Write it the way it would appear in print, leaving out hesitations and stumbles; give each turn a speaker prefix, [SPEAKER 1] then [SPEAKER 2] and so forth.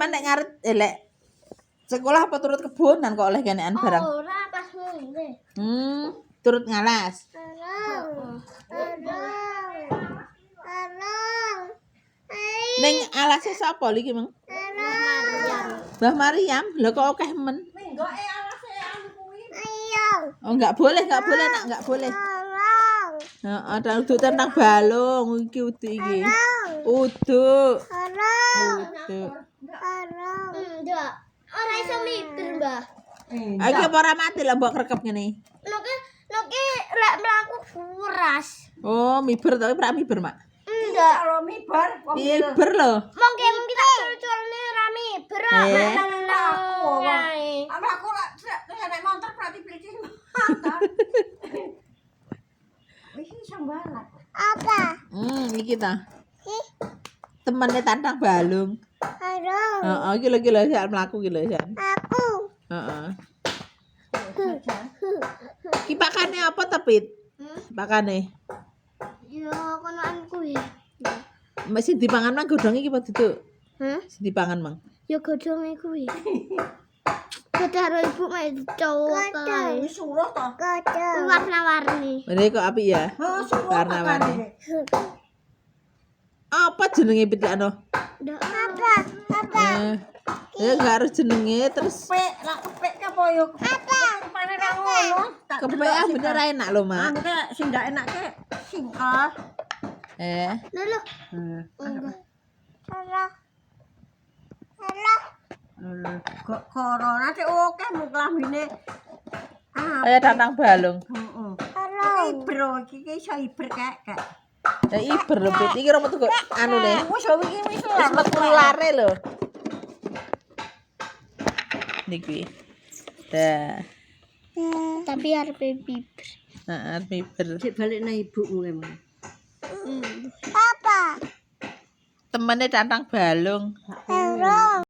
[SPEAKER 1] Sampeyan nek ngarep lek sekolah apa turut kebunan kok oleh kenekan barang?
[SPEAKER 2] Ora pas ngene.
[SPEAKER 1] Turut ngalas. Ning alase sapa iki, Mang? Mbah Maryam. Lho kok akeh men?
[SPEAKER 2] Minggoke alase anu kuwi.
[SPEAKER 1] Oh, enggak boleh, nak, enggak boleh. Heeh, uduk tentang balung iki uduk iki. Uduk. Uduk.
[SPEAKER 2] Ndak. Ora iso miber, Mbah.
[SPEAKER 1] Iki apa ora mati lah mbok rekep ngene.
[SPEAKER 2] Noke lek mlaku kuras.
[SPEAKER 1] Oh, miber to, ora miber, Mak.
[SPEAKER 2] Ndak.
[SPEAKER 3] Kalau miber,
[SPEAKER 1] Miber lho.
[SPEAKER 2] Mongke kita cul-culne ra miber.
[SPEAKER 3] aku nek motor berarti beli motor. Iki sambalan.
[SPEAKER 1] Iki ta. Temene tantang balung. Heeh, iki lho sak mlaku iki lho, San. Heeh. Ki pakane apa tepit? Pakane.
[SPEAKER 2] Yo konoan kuwi.
[SPEAKER 1] Masih dipangan Mang godhong iki apa duduk? Sing dipangan Mang.
[SPEAKER 2] Yo godhonge kuwi. Karo ibu mek cowok kae.
[SPEAKER 3] Wis suruh to.
[SPEAKER 2] Warna-warni.
[SPEAKER 1] Ini kok apik ya?
[SPEAKER 3] Suruh
[SPEAKER 1] Warna-warni. Apa jenenge pitikno?
[SPEAKER 2] Ndak
[SPEAKER 1] Ya enggak harus jenenge terus
[SPEAKER 3] Kepek, lak kepek apa yo? Pane ra ngono.
[SPEAKER 1] kepek bener enak lho, Mak.
[SPEAKER 3] Anu ke sing ndak enak ke singkah.
[SPEAKER 2] Lho.
[SPEAKER 3] Kok corona sik oke mung klambine.
[SPEAKER 1] Kaya tantang balung.
[SPEAKER 3] Heeh. Ibro iki iso iber kek.
[SPEAKER 1] Ya iber lho, Pit. Iki ora metu kok anune.
[SPEAKER 3] Wis yo iki wis
[SPEAKER 1] Wis metu lare lho. Niki. Dah.
[SPEAKER 2] Tapi arep miber.
[SPEAKER 1] Heeh, miber.
[SPEAKER 3] Sik balik nang ibumu emang.
[SPEAKER 1] Temene tantang balung.